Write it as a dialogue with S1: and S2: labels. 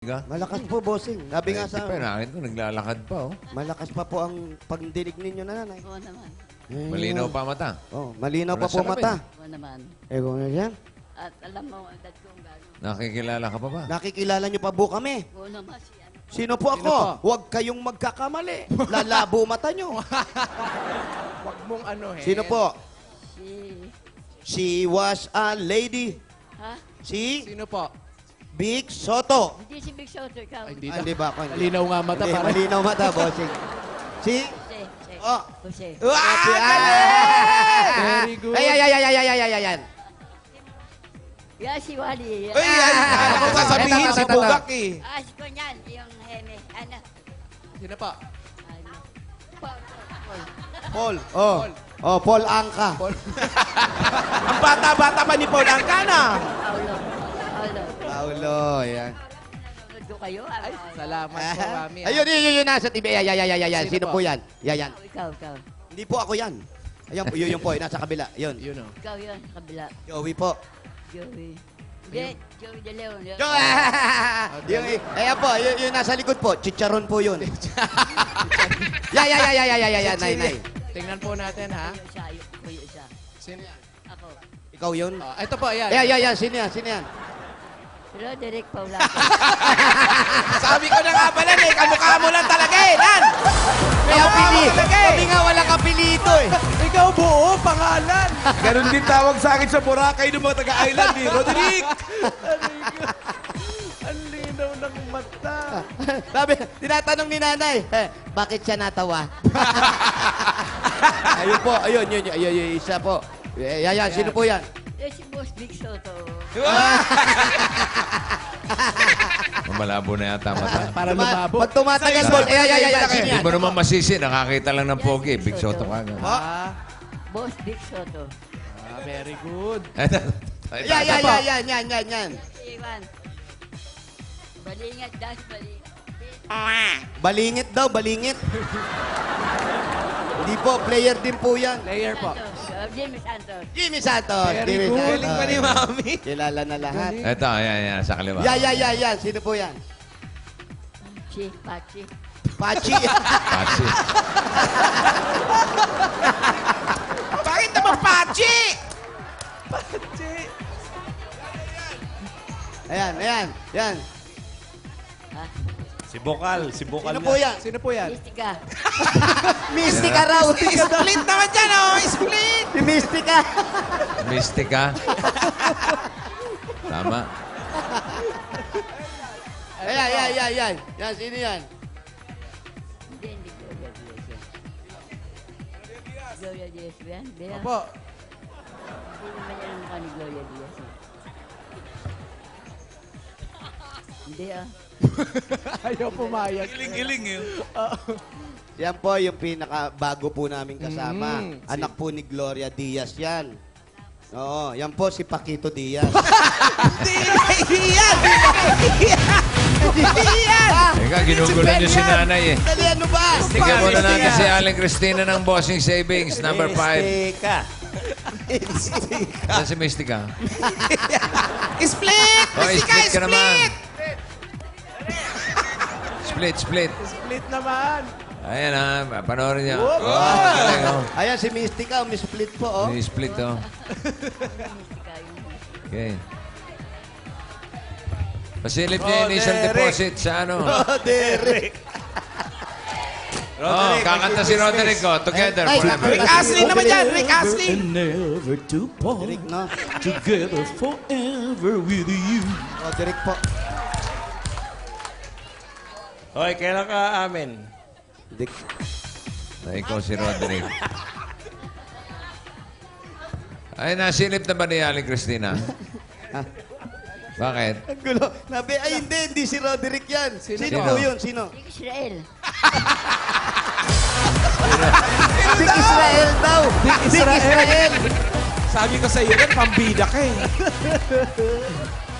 S1: Malakas po, bossing. Sabi nga sa...
S2: Nakita ko, naglalakad pa, oh.
S1: Malakas pa po ang pagdinig ninyo, nanay.
S3: Oo naman.
S2: Malinaw pa mata.
S1: Oh, malinaw pa
S2: Wala
S1: po
S2: salamin.
S1: mata.
S3: Oo naman.
S1: Eh, kung ano yan?
S3: At alam mo, ang dad kong gano'n.
S2: Nakikilala ka pa ba?
S1: Nakikilala niyo pa po kami.
S3: Oo naman si ano.
S1: Sino po ako? Huwag kayong magkakamali. Lalabo mata nyo.
S4: Huwag mong ano eh.
S1: Sino po?
S3: Si...
S1: She was a lady.
S3: Ha?
S1: Si
S4: Sino po?
S1: Big Soto.
S3: Hindi si Big Soto, ikaw.
S4: Ay,
S1: Ah, Hindi ba ako?
S4: Malinaw nga mata
S1: Hindi,
S4: para.
S1: malinaw mata, bossing. Si...
S3: Jose.
S1: Oh.
S3: Jose.
S4: Very good.
S1: Ay.
S3: Yeah, si Wally.
S5: Ay, ano ko sasabihin si Bugak eh.
S3: Ah, si Kunyan, yung heme. Ano?
S4: Sino po?
S3: Ano? Paul.
S1: Paul. Oh. Oh, Paul Angka.
S5: Ang bata-bata pa ni Paul Angkana.
S3: Paulo.
S1: Paulo, yan.
S3: Nanonood ko kayo.
S4: Ay, salamat po, Mami.
S1: Ayun, nasa TV. Yan.
S4: Sino
S1: Sino po
S4: po?
S1: yan? Yan.
S3: Ikaw.
S1: Hindi po ako yan. Ayan po, yun po, nasa kabila. Yun.
S4: Yun o.
S3: Ikaw yun, sa kabila.
S1: Joey po.
S3: Joey. Hindi, Joey De Leon.
S1: Ayan po, yun nasa likod po. Chicharon po yun. Yan, nay.
S4: Tingnan po natin, ha?
S3: Yung isa, yung isa.
S4: Sino yan?
S3: Ako.
S1: Ikaw yun?
S4: Ito po, ayan.
S1: Yan. Sino yan?
S3: Roderick Paulaco.
S5: Sabi ko na nga pala eh, kamukha mo lang talaga eh, Nan!
S1: Kaya pili.
S5: talaga eh.
S1: Sabi nga, walang kapilito eh.
S4: Ikaw buo, pangalan.
S5: Ganon din tawag sa akin sa Boracay ng mga taga-island eh, Roderick!
S4: Ang linaw ng mata.
S1: Sabi, tinatanong ni nanay, bakit siya natawa? Ayun, isa po. Yan, sino po yan?
S3: Yes, si Boss Big Soto.
S2: Malabo na yata mata.
S4: Para lumabo.
S1: Pag tumatagal po, yan, sino
S2: Hindi
S1: yan?
S2: mo naman masisi, nakakita lang ng pogi. Big Soto ka.
S3: Boss Big Soto.
S4: Very good.
S1: Yan.
S3: Si Iwan. Balingat, das balingat.
S1: Balingit daw, balingit. Hindi po, player din po yan.
S4: Player po.
S3: Jimmy Santos.
S1: Jimmy Santos.
S4: Very
S1: Jimmy
S4: good.
S1: Santos.
S5: Galing pa ni Mami.
S1: Kilala na lahat.
S2: Ito, yan, sa kaliwa.
S1: Yan. Sino po yan?
S3: Pachi.
S1: Pachi.
S2: Patsy.
S5: Bakit naman Pachi?
S1: Yan.
S3: Ha?
S5: Si Bokal
S1: Sino po yan?
S4: Sino po yan?
S3: Mystica.
S1: Mystica raw.
S5: Split naman dyan oh, split!
S1: Si Mystica.
S2: Mystica. Tama.
S1: Yan. Yan, sino yan?
S3: Hindi Gloria Diaz yan. Gloria Diaz ba yan? Hindi
S4: Opo.
S3: Hindi naman yan ang mukha ni Gloria Diaz. Hindi
S4: Ayaw pumayag.
S5: Giling-giling eh.
S1: Yan po yung pinaka-bago po namin kasama.
S4: Mm,
S1: Anak po ni Gloria Diaz yan. Oo, yan po si Paquito Diaz.
S2: Teka, ginugulo niyo si nanay eh.
S1: Dali, ano ba?
S2: Tingnan muna natin si Aling Cristina ng Bossing Savings, number 5.
S1: Mystica.
S2: Saan si Mystica?
S5: Split!
S2: Oh, split ka naman. Split.
S4: Split naman.
S2: Ayan ha, panoorin niya. Galing, oh.
S1: Ayan, si Mystica, may split po, oh.
S2: May split, oh.
S3: Mystica yun.
S2: Okay. Pasilip niya yung initial deposit sa ano.
S1: Oh, Derek.
S2: Oh, kakanta si Roderick, oh. Together
S1: Ay,
S2: forever.
S5: Rick Astley naman dyan, Rick Astley!
S6: And never to part,
S1: Derek, no?
S6: together forever with you.
S1: Oh, Derek po.
S5: Hoy, kailan ka amin?
S1: Derek.
S2: Na ikaw si Roderick. Ay, nasilip na ba ni Aling Cristina? Bakit?
S1: Ang gulo. Nabi, ay hindi si Roderick yan. Sino
S2: Sino?
S1: po yun? Sino?
S3: Big Israel.
S1: Big Israel daw. Big Israel.
S5: Sabi ko sa iyo yan, pambida ka eh.